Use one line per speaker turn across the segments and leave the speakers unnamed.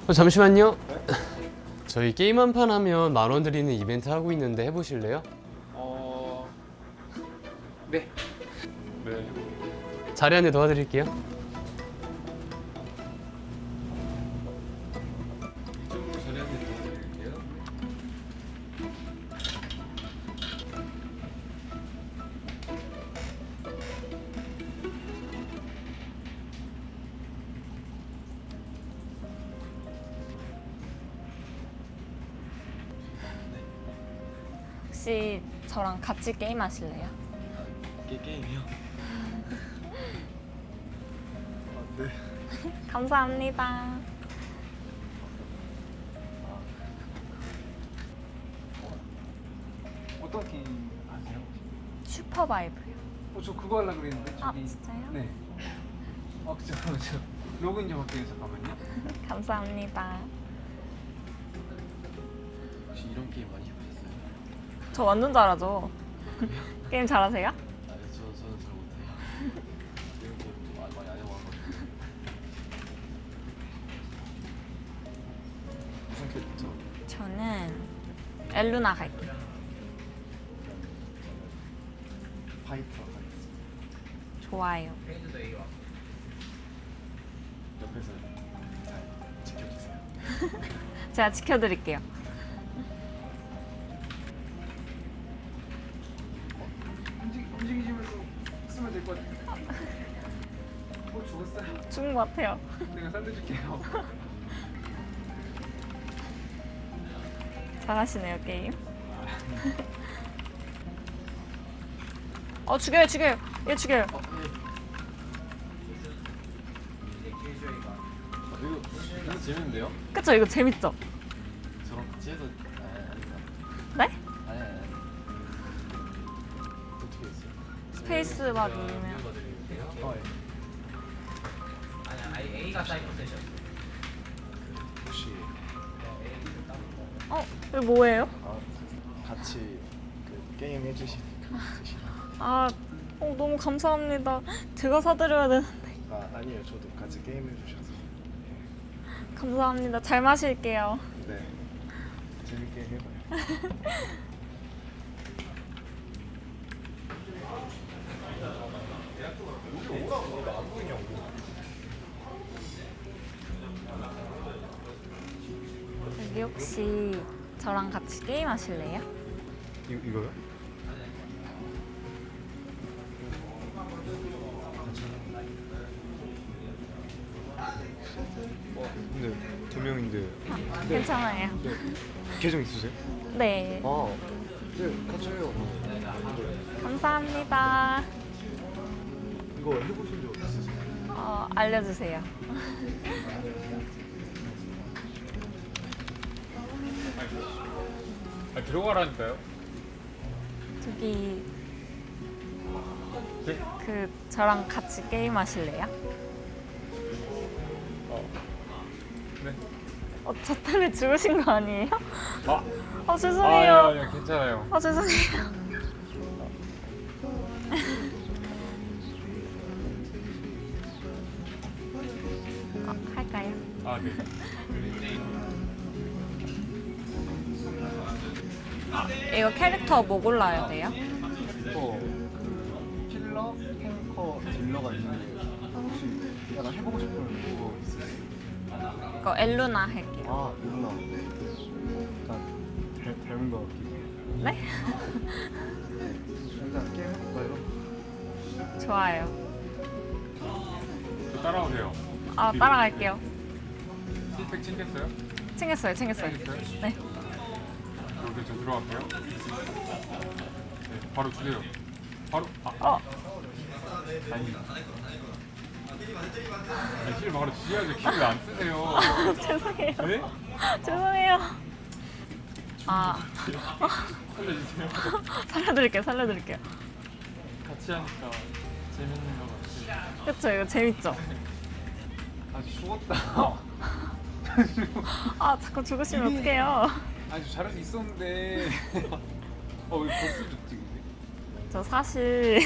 잠시만요. 저희 게임 한 판 하면 10,000원 드리는 이벤트 하고 있는데 해보실래요?
네. 네.
자리 안내 도와드릴게요.
이쪽으로 자리 한대 도와드릴게요.
혹시 저랑 같이 게임 하실래요?
게임이요? 네.
감사합니다.
어떤 게임 아세요?
슈퍼바이브요.
저 그거 하려고 그랬는데
아,
저기.
진짜요?
네. 저 로그인 좀 할게요. 잠깐만요.
감사합니다.
혹시 이런 게임 많이 해보셨어요?
저 완전 잘하죠. 게임 잘하세요?
저는 잘 못해요. 이런 게임 좀 많이 안 해와가지고. 무슨 캐릭터?
저는 엘루나 갈게요.
파이터 하겠습니다.
좋아요.
옆에서 잘 지켜주세요.
제가 지켜드릴게요.
움직이시면서 쓰면 될 것 같아요. 죽었어요.
죽은 것 같아요.
내가 살려줄게요.
잘하시네요, 게임. 죽여요, 죽여요. 얘 죽여요.
이거 재밌는데요?
그쵸? 이거 재밌죠?
저랑 같이 해서
네?
아니 어떻게 했어요?
스페이스바 누르면.
A가 사이버 세션.
혹시
이거 뭐예요?
같이 그 게임 해주시는 그
아, 너무 감사합니다. 제가 사드려야 되는데.
아니에요. 저도 같이 게임 해주셔서
감사합니다. 잘 마실게요.
네 재밌게 해봐요.
여기 혹시 저랑 같이 게임 하실래요?
이거요? 근데 두 명인데
괜찮아요.
계정 있으세요?
네.
네 같이 해요.
감사합니다.
이거 해보신 적 있으세요?
알려주세요.
들어가라니까요.
저기
네?
저랑 같이 게임 하실래요?
네.
저 때문에 죽으신 거 아니에요?
아,
죄송해요.
아니요, 괜찮아요.
죄송해요. 할까요?
아, 네.
이거 캐릭터 뭐 골라야 돼요?
그 킬러, 탱커, 딜러가 있는데 혹시 약간 해보고 싶은 거 있으세요?
이거 엘루나 할게요.
누나 약간 닮은 거 같기도 해요.
네?
일단 게임 해볼까요?
좋아요.
저 따라오세요.
따라갈게요.
힐팩 챙겼어요?
챙겼어요.
챙겼어요?
네.
이렇게 저 들어갈게요. 네, 바로 주세요. 바로, 아니. 힐 바로 주셔야죠. 킬을 안 쓰세요.
죄송해요.
네?
죄송해요.
살려주세요.
살려드릴게요.
같이 하니까 재밌는 것 같아요.
그쵸? 이거 재밌죠?
죽었다.
자꾸 죽으시면 어떡해요.
아니 잘할 수 있었는데 왜 벌써 죽지 근데?
저 사실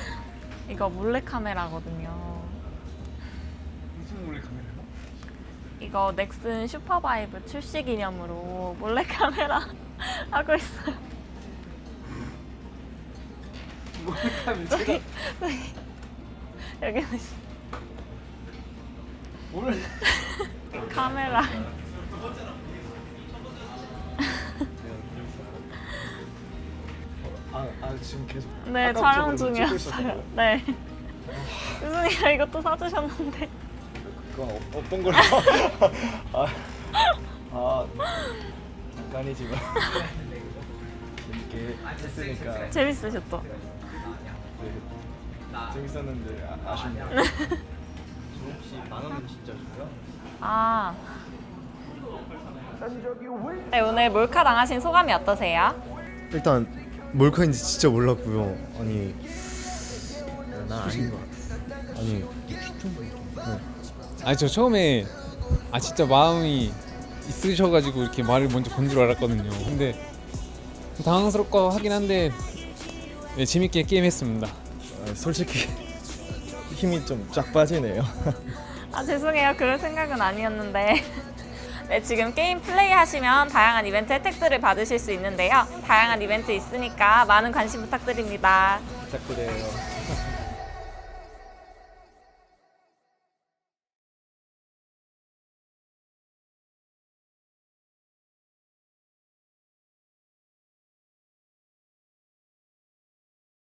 이거 몰래카메라거든요.
무슨 몰래 카메라요?
이거 넥슨 슈퍼바이브 출시 기념으로 몰래카메라 하고 있어요.
몰래카메라 제가
여기는 있어.
오늘
카메라.
지금 계속
네,
아까부터
촬영
그러면 찍고
중이었어요.
있었다고요?
네. 유승이가 이것도 사주셨는데.
그건 어떤 걸로? 잠깐이지만 재밌게 했으니까
재밌으셨죠?
네, 재밌었는데 아쉽네요. 혹시 만원 진짜 주세요?
아. 네, 오늘 몰카 당하신 소감이 어떠세요?
일단 몰카인지 진짜 몰랐고요. 아니 난 아닌 것 같아. 아니
아니 저 처음에 진짜 마음이 있으셔가지고 이렇게 말을 먼저 건 줄 알았거든요. 근데 당황스럽고 하긴 한데 네, 재밌게 게임했습니다.
솔직히 힘이 좀 쫙 빠지네요.
아, 죄송해요. 그럴 생각은 아니었는데. 네, 지금 게임 플레이 하시면 다양한 이벤트 혜택들을 받으실 수 있는데요. 다양한 이벤트 있으니까 많은 관심 부탁드립니다.
부탁드려요.